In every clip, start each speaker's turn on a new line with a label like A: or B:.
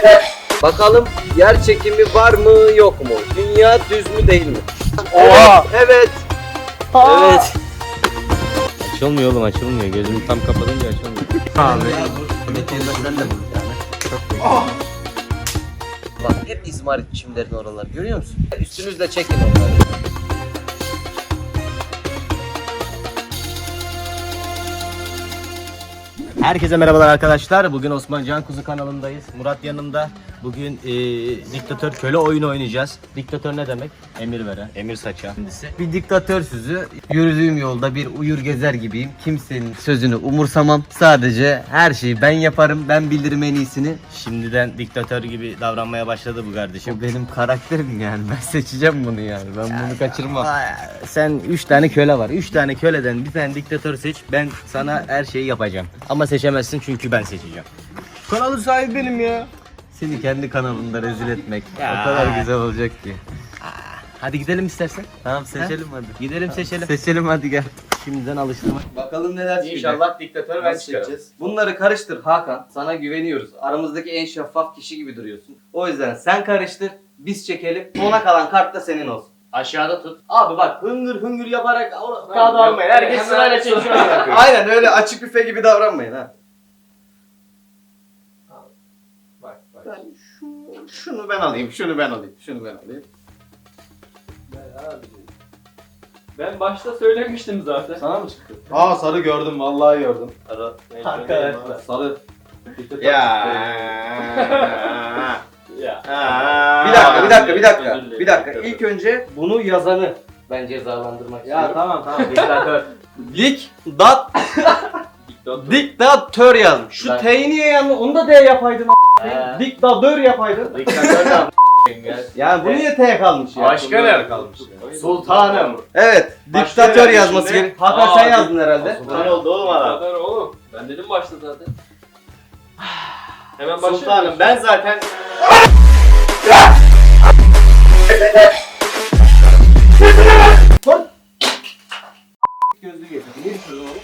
A: Bakalım yer çekimi var mı yok mu? Dünya düz mü değil mi?
B: Oha!
A: Evet. Evet.
B: Açılmıyor oğlum, açılmıyor. Gözümü tam kapatınca açılmıyor.
A: Bak hep izmarit çimlerin oralar görüyor musun? Üstünüzle çekin onları.
B: Herkese merhabalar arkadaşlar. Bugün Osman Can Kuzu kanalındayız. Murat yanımda. Bugün diktatör köle oyunu oynayacağız. Diktatör ne demek? Emir veren, emir saçan. Bir diktatörsüzü. Yürüdüğüm yolda bir uyur gezer gibiyim. Kimsenin sözünü umursamam. Sadece her şeyi ben yaparım. Ben bilirim en iyisini. Şimdiden diktatör gibi davranmaya başladı bu kardeşim. Bu benim karakterim yani. Ben seçeceğim bunu yani. Ben bunu kaçırmam. Sen 3 tane köle var. 3 tane köleden bir tane diktatör seç. Ben sana her şeyi yapacağım. Ama seçemezsin çünkü ben seçeceğim. Kanalın sahibi benim ya. Seni kendi kanalında rezil etmek o kadar güzel olacak ki. Hadi gidelim istersen. Tamam seçelim hadi. Gidelim seçelim. Seçelim hadi gel. Şimdiden alıştırma.
A: Bakalım neler çıkacak.
B: İnşallah diktatör ben
A: Nasıl
B: çıkarım.
A: seçeceğiz? Bunları karıştır Hakan. Sana güveniyoruz. Aramızdaki en şeffaf kişi gibi duruyorsun. O yüzden sen karıştır. Biz çekelim. Sona kalan kart da senin olsun.
B: Aşağıda tut.
A: Abi bak hıngır hıngır yaparak
B: Kağıdı almayın. Herkes sırayla çekiyor.
A: Aynen öyle açık büfe gibi davranmayın ha.
B: Bak bak.
A: Ben şunu ben alayım, şunu ben alayım, şunu ben alayım.
C: Ben başta söylemiştim zaten.
A: Sana mı çıktı?
D: Aa sarı gördüm vallahi gördüm.
A: Sarı.
B: Arkadaşlar.
A: Sarı.
D: Ya.
C: Ya.
A: Bir dakika. İlk önce bunu yazanı ben cezalandırmak
D: Ya
A: istiyorum.
D: tamam.
A: Diktatör. Diktatör yazmış. Şu
B: Ben-
A: T'yi niye yandı? Onu da D yapaydın a**ayım. Diktatör yapaydın.
B: Diktatör de
A: Yani bu niye T kalmış ya?
B: Başkanım.
D: kalmış.
B: Sultanım.
A: Evet.
D: Başka
A: Diktatör
D: yani
A: yazması
D: şimdi-
A: gerek. Hakan sen yazdın herhalde.
B: Sultan oldu oğlum adam.
C: Diktatör oğlum. Ben dedim başta zaten. Hemen başlayalım.
B: Sultanım ben zaten
A: Gözlüğü getirdim. Niye düşürdün onu?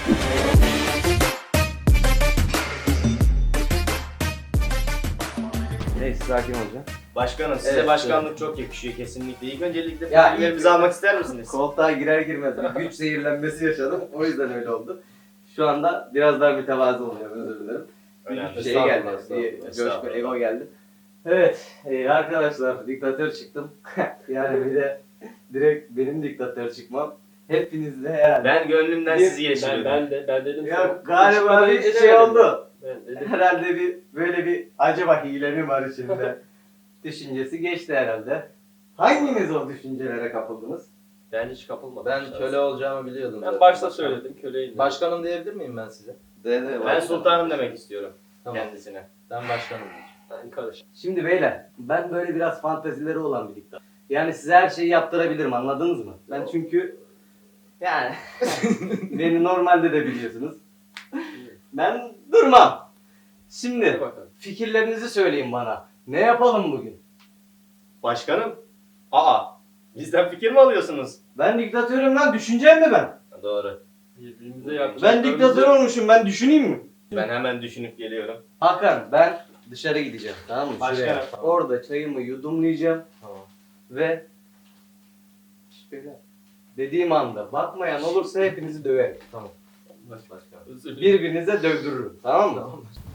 A: Neyse sakin olacağım.
B: başkanım size
A: Evet,
B: başkanlık çok yakışıyor kesinlikle. İlk öncelikle
A: Ya,
B: fikirlerimizi almak ister misiniz?
A: Koltuğa girer girmez bir güç zehirlenmesi yaşadım. O yüzden öyle oldu. Şu anda biraz daha mütevazı oluyorum, özür dilerim.
B: Önemli.
A: Bir şey geldi.
B: Estağfurullah,
A: Bir coşku,
B: estağfurullah.
A: ego geldi. Evet arkadaşlar diktatör çıktım. Yani bir de direkt benim diktatör çıkmam. Hepinizle herhalde.
B: Ben gönlümden
A: Bir-
B: sizi yeşiliyorum.
C: Ben dedim.
A: Ya
C: sana.
A: galiba
C: Çıkmadan
A: bir
C: önce
A: şey
C: demedim.
A: oldu.
C: Ben dedim.
A: Herhalde bir böyle bir acaba hile mi var içinde? Düşüncesi geçti herhalde. Hanginiz o düşüncelere kapıldınız?
C: Ben hiç kapılmadım.
D: Ben köle olacağımı biliyordum.
C: Ben
D: zaten.
C: başta söyledim köleyim.
D: Başkanım diyebilir miyim ben size?
B: Ben sultanım demek istiyorum
D: Tamam.
B: kendisine.
D: Ben başkanım.
C: Ben karışım.
A: Şimdi beyler ben böyle biraz fantezileri olan bir diktatör. Yani size her şeyi yaptırabilirim anladınız mı? Ben çünkü yani beni normalde de biliyorsunuz. Ben durmam. Şimdi
C: Hadi bakalım.
A: fikirlerinizi söyleyin bana. Ne yapalım bugün?
B: Başkanım? Aa, bizden fikir mi alıyorsunuz?
A: Ben diktatörüm lan düşüneceğim mi ben?
B: Doğru.
C: Birbirimize yaklaşık.
A: Ben diktatör olmuşum ben düşüneyim mi?
B: Ben hemen düşünüp geliyorum.
A: Hakan ben dışarı gideceğim tamam mı?
B: Başka
A: Şuraya.
B: ne? Tamam.
A: Orada çayımı yudumlayacağım
B: Tamam.
A: ve şöyle dediğim anda bakmayan olursa hepinizi döverim. Tamam.
D: Başkanım.
C: Özür dilerim.
A: Birbirinize dövdürürüm tamam mı?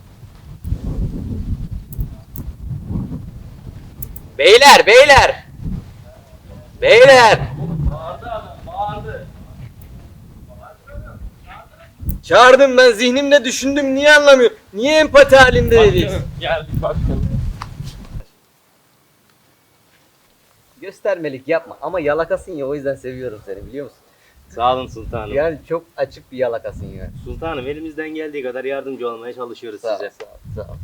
A: Beyler!
C: Bağırdı adam, bağırdı.
A: Çağırdım ben zihnimle düşündüm niye anlamıyor? Niye empati halinde değil?
C: Başkanım, geldik başkanım.
A: Göstermelik yapma ama yalakasın ya o yüzden seviyorum seni biliyor musun?
B: Sağ olun sultanım.
A: Yani çok açık bir yalakasın ya.
B: Sultanım elimizden geldiği kadar yardımcı olmaya çalışıyoruz size.
A: Sağ ol.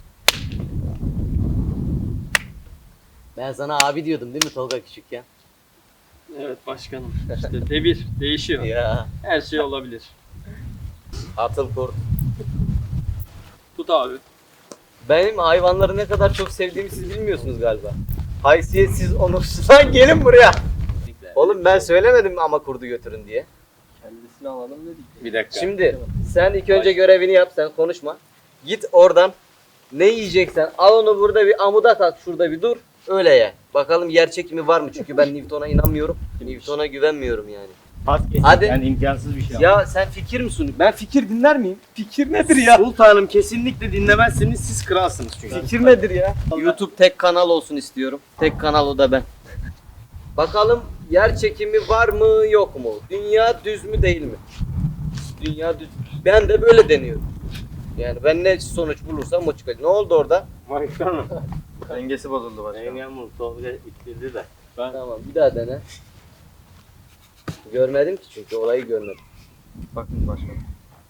A: Ben sana abi diyordum değil mi Tolga küçükken?
C: Evet başkanım. İşte devir değişiyor.
A: Ya.
C: Her şey olabilir.
A: Atıl kurt.
C: Tut abi.
A: Benim hayvanları ne kadar çok sevdiğimi siz bilmiyorsunuz galiba. Haysiyetsiz onursuz. Lan gelin buraya. Oğlum ben söylemedim ama kurdu götürün diye.
C: Kendisini alalım dedik.
B: Bir dakika.
A: Şimdi sen ilk önce görevini yap sen konuşma. Git oradan
B: Ne yiyeceksen al onu burada bir amuda tak, şurada bir dur. Öyle ye. Bakalım yer çekimi var mı? Çünkü ben Newton'a inanmıyorum. Newton'a güvenmiyorum yani. Hadi.
A: Yani imkansız bir şey.
B: Ya sen fikir mi sunuyorsun? Ben fikir dinler miyim? Fikir nedir ya?
A: Sultanım kesinlikle dinlemezsiniz, siz kralsınız çünkü.
B: Fikir nedir ya? YouTube tek kanal olsun istiyorum. Tek kanal o da ben. Bakalım yer çekimi var mı yok mu? Dünya düz mü değil mi? Dünya düz. Ben de böyle deniyorum. Yani ben ne sonuç bulursam o çıkacak. Ne oldu orada?
A: Başkanım.
D: Dengesi bozuldu başkanım.
A: Engin Tolga ittirdi de.
B: Tamam bir daha dene. Görmedim ki çünkü olayı görmedim.
D: Bakın başkanım.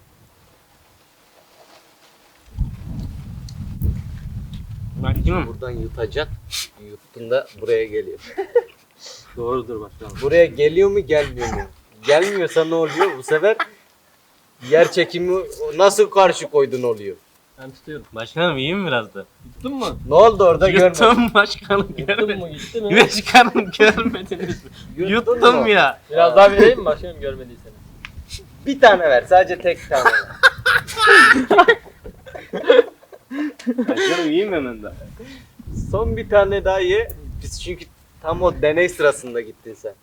B: Buradan yutacaksın. Yuttuğunda buraya geliyor.
A: Doğrudur başkanım.
B: Buraya geliyor mu gelmiyor mu? Gelmiyorsa ne oluyor? Bu sefer yer çekimi nasıl karşı koydun oluyor.
C: Ben tutuyorum.
E: Başkanım iyi mi biraz da?
C: Tuttun mu?
B: Ne oldu orada görmedim.
E: Yuttum başkanım
C: Tuttun
E: görmedim.
C: mu? Gitti mi?
E: Başkanım görmediniz mi?
B: Yuttun
E: Yuttum
B: mu?
E: ya.
C: Biraz daha vereyim mi başkanım görmediyseniz?
B: Bir tane ver. Sadece tek tane.
A: Başkanım iyi mi hemen de?
B: Son bir tane daha ye. Biz çünkü tam o deney sırasında gittin sen.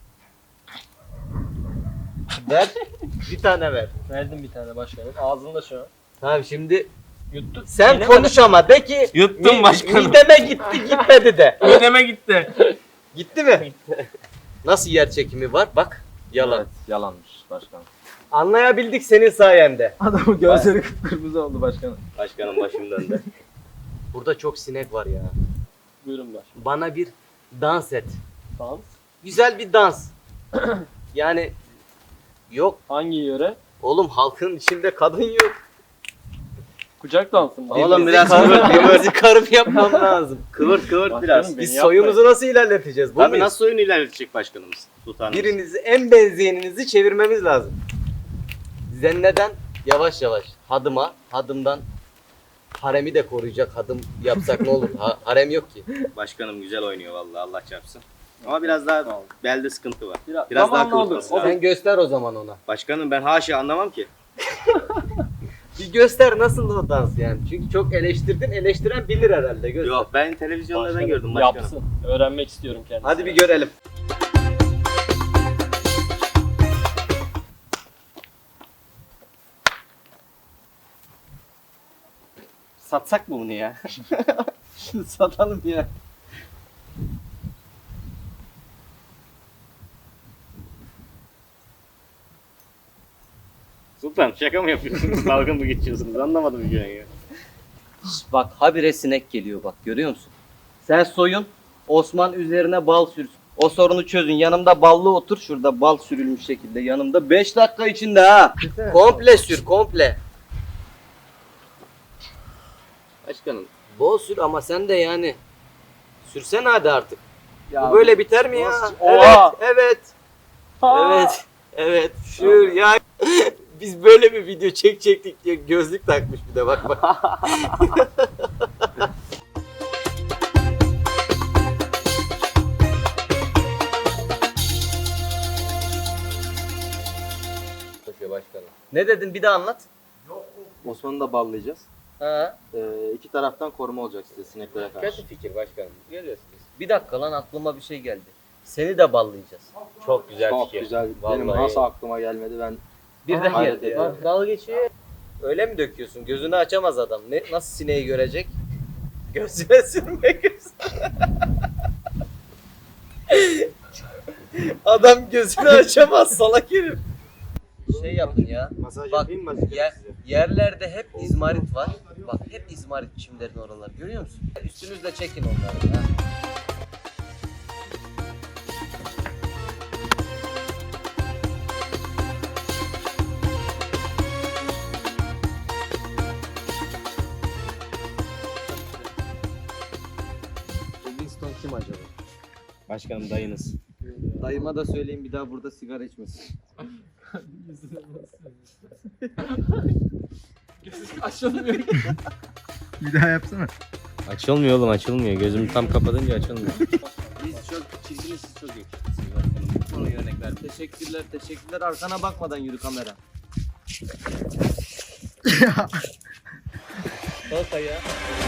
B: Ver. Bir tane ver.
C: Verdim bir tane başkanım. Ağzında şu an.
B: Tamam şimdi
C: Yuttu.
B: sen
C: Yine
B: konuş ama de ki
E: Yuttum başkanım.
B: mideme gitti gitmedi de.
E: Mideme gitti.
B: Gitti mi? Nasıl yer çekimi var? Bak yalan.
D: Evet, yalanmış başkanım.
B: Anlayabildik senin sayende.
D: Adamın gözleri kıpkırmızı oldu başkanım.
A: Başkanım başım döndü.
B: Burada çok sinek var ya.
C: Buyurun başkanım.
B: Bana bir dans et.
C: Dans.
B: Güzel bir dans. Yani yok
C: Hangi yöre?
B: oğlum halkın içinde kadın yok.
C: Kucak dansı mı?
A: Oğlum
B: Birbirimizi
A: biraz
B: karıp-
A: kıvırt,
B: birbirimizi karıp yapmam lazım.
A: kıvırt
C: Başkanım,
A: biraz.
C: beni
B: Biz
C: yapmayın.
B: soyumuzu nasıl ilerleteceğiz? Bu
A: Tabii
B: muyuz?
A: nasıl oyun ilerletecek başkanımız? Sultanım.
B: Birinizi en benzeyeninizi çevirmemiz lazım. Zenneden yavaş yavaş hadıma, hadımdan haremi de koruyacak hadım yapsak ne olur? Harem yok ki.
A: Başkanım güzel oynuyor vallahi Allah çarpsın. Ama biraz daha belde sıkıntı var.
C: Biraz
A: Biraz daha
C: zamanla olur.
A: kıvırtması lazım.
B: Sen göster o zaman ona.
A: Başkanım ben haşa anlamam ki.
B: Bir göster nasıl o dans yani. Çünkü çok eleştirdin, eleştiren bilir herhalde. Göster.
A: Yok ben televizyonlardan
C: Başkanım,
A: gördüm başkanım.
C: Yapsın. Öğrenmek istiyorum kendisini.
B: Hadi bir görelim.
A: Satsak mı bunu ya? Şunu satalım ya. Sultan şaka mı yapıyorsunuz? Dalga mı geçiyorsunuz? Anlamadım bir ya.
B: Bak habire sinek geliyor bak görüyor musun? Sen soyun, Osman üzerine bal sürsün. O sorunu çözün. Yanımda ballı otur. Şurada bal sürülmüş şekilde yanımda. 5 dakika içinde ha. Komple sür komple.
A: Başkanım.
B: Bol sür ama sen de yani. Sürsene hadi artık.
C: Ya
B: Bu böyle biter mi ya?
C: nasıl-
B: Evet,
C: Oha!
B: evet,
C: Aa!
B: evet, evet. Sür ya. Biz böyle bir video çekecektik diye gözlük takmış bir de bak bak. Başkanım. Ne dedin bir daha anlat.
D: Osman'ı da ballayacağız.
B: Ha.
D: İki taraftan koruma olacak size sineklere karşı.
B: Kötü fikir başkanım. Görüyorsunuz. Bir dakika lan aklıma bir şey geldi. Seni de ballayacağız. Çok güzel
D: Çok
B: fikir.
D: güzel. Benim
B: Vallahi.
D: nasıl aklıma gelmedi ben.
B: Bir de
D: Hayret ediyorum.
B: dalga geçiyor. Öyle mi döküyorsun? Gözünü açamaz adam. Ne nasıl sineği görecek? Gözüne sürme gözüne. Adam gözünü açamaz salak herif. Şey yapın ya.
D: Masaj
B: Bak,
D: yapayım mı başkanım size?
B: Yerlerde hep izmarit var. Bak hep izmarit çimlerin oralar. Görüyor musun? Üstünüzle çekin onları. Ha. Winston kim acaba?
A: Başkanım dayınız.
B: Dayıma da söyleyeyim bir daha burada sigara içmesin.
C: Açılmıyor.
D: Bir daha yapsana.
A: Açılmıyor oğlum açılmıyor. Gözümü tam kapatınca açılmıyor.
B: Biz çok çirkiniz, siz çok yakışıklısınız başkanım. Bu konuyu örnek ver. Teşekkürler, teşekkürler. Arkana bakmadan yürü kamera.
C: Salata ya.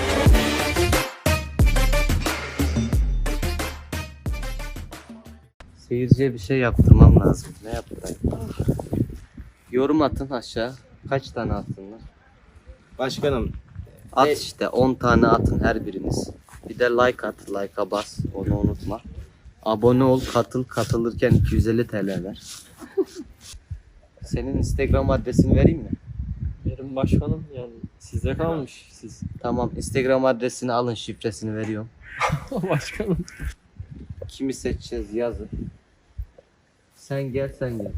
A: Seyirciye bir şey yaptırmam lazım. Ne yaptırayım? Yorum atın aşağı. Kaç tane atsınlar?
B: Başkanım.
A: At işte 10 tane atın her biriniz. Bir de like at. Like'a bas. Onu unutma. Abone ol, katıl. Katılırken 250 TL ver. Senin Instagram adresini vereyim mi?
C: Benim başkanım yani size kalmış siz.
A: Tamam, Instagram adresini alın, şifresini veriyorum.
C: Başkanım.
A: Kimi seçeceğiz yazın. Sen gel.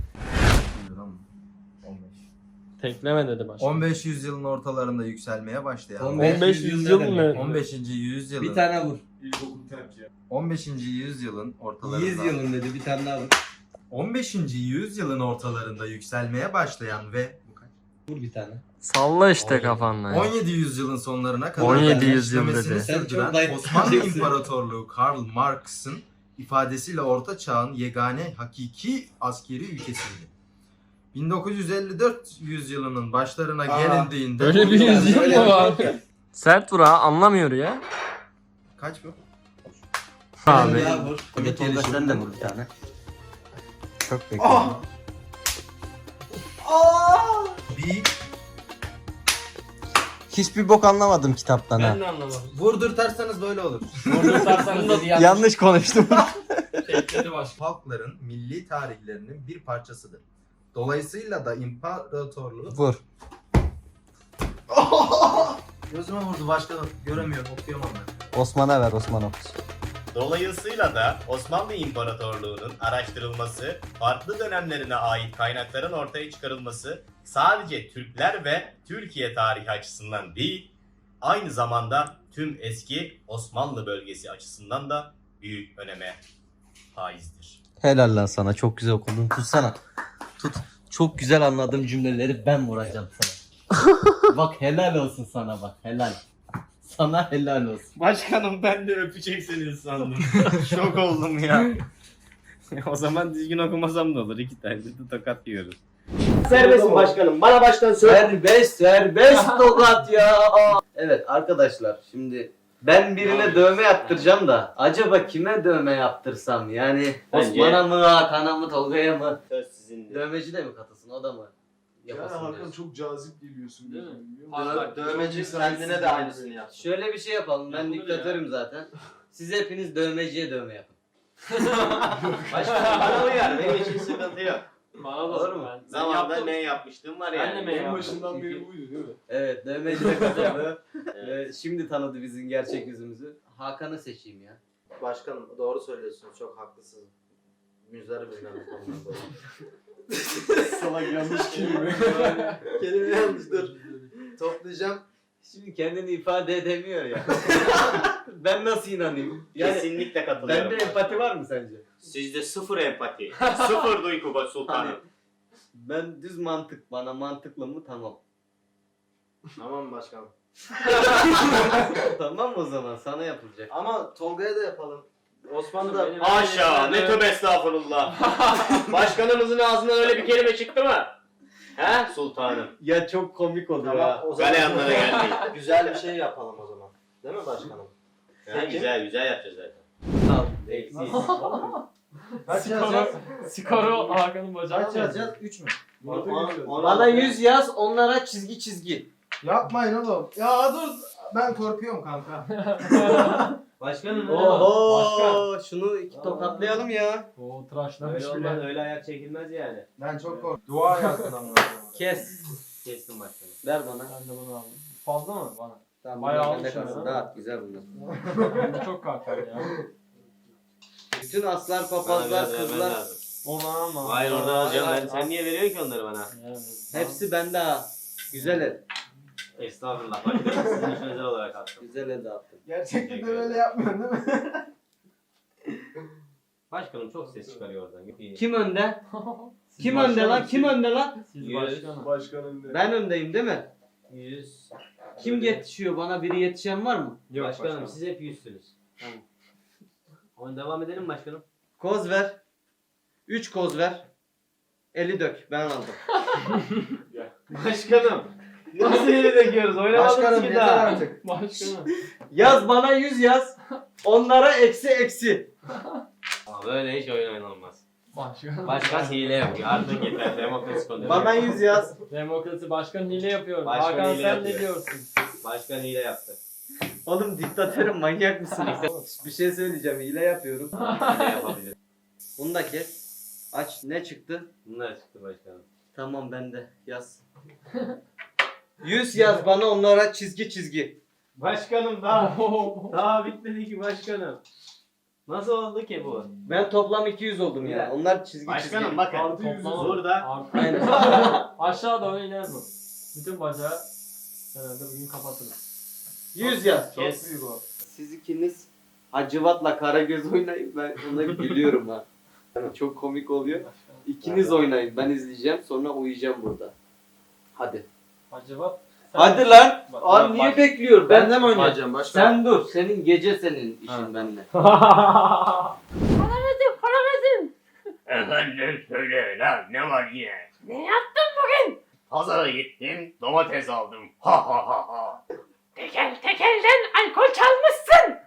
C: Tekleme dedi başkanım.
F: 15 yüzyılın ortalarında yükselmeye başlayan
C: 15 yüzyıl mı?
F: 15. yüzyılın
A: Bir tane vur.
F: 15. yüzyılın ortalarında
A: 100 yılın dedi, bir tane daha vur.
F: 15. yüzyılın ortalarında yükselmeye başlayan ve
A: Vur bir tane.
C: Salla işte kafanla.
F: 17 yüzyılın sonlarına kadar
C: 17
F: da
C: yüzyıl
F: genişlemesini
C: dedi.
A: Sen çok
F: sürdüren
A: dayak
F: Osmanlı
A: yiyeceksin.
F: İmparatorluğu Karl Marx'ın ifadesiyle Orta Çağ'ın yegane hakiki askeri ülkesiydi. 1954 yüzyılının başlarına gelindiğinde
C: Böyle bir yüzyıl mı var? Sert vur ha, anlamıyor ya.
F: kaç bu?
C: Abi.
A: Vur. Hadi Tolga sen de vur bir tane.
C: Çok bekliyorum.
F: Bir
B: Hiçbir bok anlamadım kitaptan ha.
C: Ben de anlamadım.
F: vurdurtarsanız böyle olur.
B: Yanlış konuştum.
C: Tekledi başkanım.
F: Halkların milli tarihlerinin bir parçasıdır. Dolayısıyla da imparatorluğu...
B: Vur.
F: Gözüme vurdu başkanım. Göremiyorum, okuyamam ben.
B: Osman'a ver, Osman okusun.
G: Dolayısıyla da Osmanlı İmparatorluğu'nun araştırılması, farklı dönemlerine ait kaynakların ortaya çıkarılması sadece Türkler ve Türkiye tarihi açısından değil, aynı zamanda tüm eski Osmanlı bölgesi açısından da büyük öneme haizdir.
B: Helal lan sana, çok güzel okudun. Tutsana. Tut. Çok güzel anladığım cümleleri ben vuracağım sana. Bak helal olsun sana bak, helal. Sana helal olsun.
E: Başkanım ben de öpeceksiniz sandım. Şok oldum ya. O zaman düzgün okumasam da olur. 2 tane de tokat yiyoruz.
B: Serbest başkanım? Bana baştan
A: Serbest tokat ya. Evet arkadaşlar, şimdi ben birine dövme yaptıracağım da acaba kime dövme yaptırsam, yani
E: Bence-
A: Osman'a mı, Hakan'a mı, Tolga'ya mı?
E: Söz sizindir.
A: Dövmeci de mi katılsın, o da mı?
H: Yani
A: Yapasın
H: Hakan
A: diyorsun.
H: çok cazip geliyorsun.
C: Değil mi?
H: biliyor musun?
D: Dövmeci kendine de aynısını yaptı.
A: Şöyle bir şey yapalım, ben
C: Yapılır
A: diktatörüm zaten. Siz hepiniz dövmeciye dövme yapın.
E: Başkanım bana uyar. Benim için sıkıntı yok.
C: Bana da
A: Olur mu?
C: Ben
E: Zamanında
C: yaptım.
E: ne yapmıştım var
C: Ben
E: yani.
C: de mi
H: En
C: yaptım?
H: başından beri buydu değil mi?
A: Evet, dövmeci de katıldı. Şimdi tanıdı bizim gerçek yüzümüzü. Hakan'ı seçeyim ya.
D: Başkanım doğru söylüyorsunuz, çok haklısınız. Müzdarı bilmem bu konudan dolayı.
H: Salak yanlış kelime.
D: Kelime yanlış, dur. Toplayacağım.
A: Şimdi kendini ifade edemiyor ya. Ben nasıl inanayım? Yani
E: Kesinlikle katılıyorum.
A: bende empati var mı sence?
E: Sizde sıfır empati. Sıfır duygu sultanım.
A: Hani ben düz mantık, bana mantıklı mı, tamam.
D: Tamam başkanım.
A: Tamam o zaman sana yapılacak.
D: Ama Tolga'ya da yapalım. Osman da...
C: Benim-
E: Haşa ne tövbe estağfurullah. Başkanımızın ağzından öyle bir kelime çıktı mı? He sultanım.
A: Ya çok komik olur
D: Tamam,
A: ha.
D: o zaman
E: Galeyanlara geldik.
D: güzel bir şey yapalım o zaman. Değil mi başkanım?
E: Ha, güzel güzel yapacağız zaten.
A: Sağ ol. Eksiz.
D: Kaç yazacağız?
C: Skoro Hakan'ın bacağı.
D: Kaç yazacağız? 3 mü?
A: Bana 100 yaz, onlara çizgi.
F: Yapmayın oğlum. Ya dur. Ben korkuyorum kanka.
C: Başkanım.
A: Oho, şunu iki tokatlayalım ya.
C: Oo tıraşlamış
E: Öyle
C: bile.
E: olmaz öyle ayak çekilmez yani.
F: Ben çok korkuyorum. Dua yazsın ama.
A: Kes.
E: Kestim başkanım.
A: Ver bana.
C: Ben de bunu aldım. Fazla mı bana?
A: Tamam,
C: Bayağı
A: bunlar bende
C: almışım
A: kalsın.
C: ya.
A: Dağıt, güzel bunlar.
C: Bu çok kalkar ya.
A: Bütün aslar,
E: Bana
A: papazlar,
E: biraz vermen
A: kızlar
E: lazım.
C: Onu alma.
E: Hayır orada alacağım ben. Sen niye veriyorsun ki onları bana?
C: Yani,
A: hepsi bende ha. Güzel el.
E: Estağfurullah. Başkanım sizin için özel olarak attım.
A: Güzel el dağıttım.
F: Gerçekten de böyle yapmıyorsun değil mi?
E: Başkanım çok ses çıkarıyor oradan. İyi.
A: Kim önde?
C: Siz
A: Kim
C: başkanım,
A: önde lan? Kim önde lan?
C: Siz
E: Yüz.
C: başkanım.
H: Başkanın ne?
A: Ben öndeyim değil mi?
E: 100.
A: Kim yetişiyor? Bana biri yetişen var mı?
C: Yok
E: Başkanım siz hep 100'sünüz. Tamam. Onu devam edelim mi başkanım?
A: Koz ver. 3 koz ver. Eli dök. Ben aldım.
E: Başkanım.
A: Nasıl hile döküyoruz? Oynamadık
F: Başkanım
A: ki
F: yeter
A: daha.
F: artık.
H: Başkanım.
A: Yaz bana 100 yaz. Onlara eksi.
E: Ama böyle hiç oyun oynanmaz.
H: Başkanım.
E: Başkan hile yapıyor. Artık yeter. Demokrasi konuyor.
A: Bana 100 yaz.
H: Demokrasi başkan hile yapıyor.
E: Başkan
H: Hakan
E: hile
H: sen
E: yapıyor.
H: ne diyorsun?
E: Başkan hile yaptı.
A: Oğlum diktatörüm manyak mısın? Bir şey söyleyeceğim hile yapıyorum.
E: Hile yapabilir.
A: Bunu da kes. Aç ne çıktı?
E: Bunlar çıktı başkanım.
A: Tamam bende yaz. 100 yaz bana onlara çizgi.
E: Başkanım daha bitmedi ki başkanım. Nasıl oldu ki bu?
A: Ben toplam 200 oldum ya. Onlar çizgi.
E: Başkanım bakın.
H: Artı yüzü
E: Burada
A: Aynen.
H: Aşağı doğru iner bu. Bütün bacağı herhalde bugün kapatırız.
A: 100 yaz.
H: Çok
E: Kes.
H: büyük o.
A: Siz ikiniz Hacivat'la Karagöz oynayın. Ben ona gülüyorum ha. Çok komik oluyor. İkiniz oynayın. Ben izleyeceğim. Sonra uyuyacağım burada. Hadi.
H: Acaba
A: Hadi lan.
H: Bak,
A: Abi niye bekliyor? Ben
F: de mi oynayacağım başkan?
A: Sen dur. Senin gece senin işin benimle.
G: Efendim söyle lan ne var yine? Ne yaptın bugün? Pazara gittim domates aldım. Ha ha ha ha.
I: Tekelden alkol çalmışsın.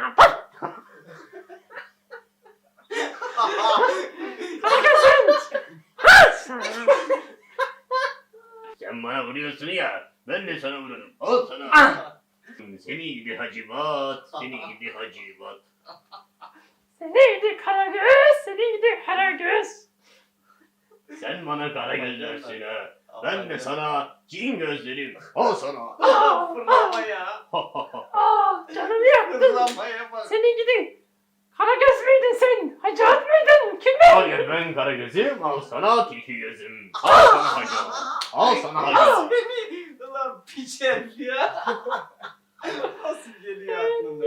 G: Sen bana vuruyorsun ya ben de sana vururum. Al sana. Seni gidi Hacivat, seni gidi Hacivat.
I: Seni gidi Karagöz, seni gidi Karagöz.
G: Sen bana kara göz dersin ha. Ben de sana cin gözlerim. Al sana.
A: Fırlama ya.
I: Canımı yaktın.
A: Fırlamaya bak.
I: Seni gidi Karagöz müydün sen? Hacivat mıydın? Kim be?
G: Hayır ben kara gözüm, al sana tilki gözüm. Al sana Hacivat. Al sana Hacivat.
A: Ulan piç herif ya. Nasıl geliyor aklına?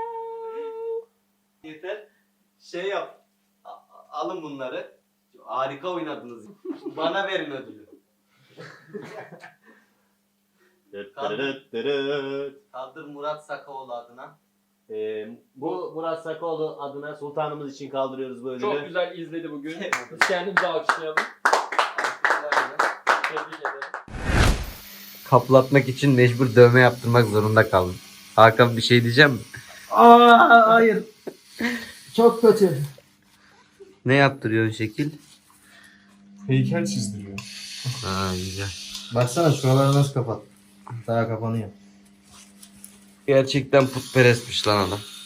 A: Yeter. Şey yap. Alın bunları. Harika oynadınız. Bana verin ödülü. Kaldır Murat Sakaoğlu adına.
E: Bu Murat Sakoğlu adına sultanımız için kaldırıyoruz bu ödülü.
H: çok güzel izledi bugün. Biz kendimizi alkışlayalım. Tebrik ederim.
A: Kaplatmak için mecbur dövme yaptırmak zorunda kaldım. Hakan bir şey diyeceğim mi?
F: Hayır. Çok kötü.
A: Ne yaptırıyorsun şekil?
H: Heykel çizdiriyor.
A: Aa güzel.
F: Baksana şuraları nasıl kapat. Daha kapanıyor.
A: Gerçekten putperestmiş lan adam.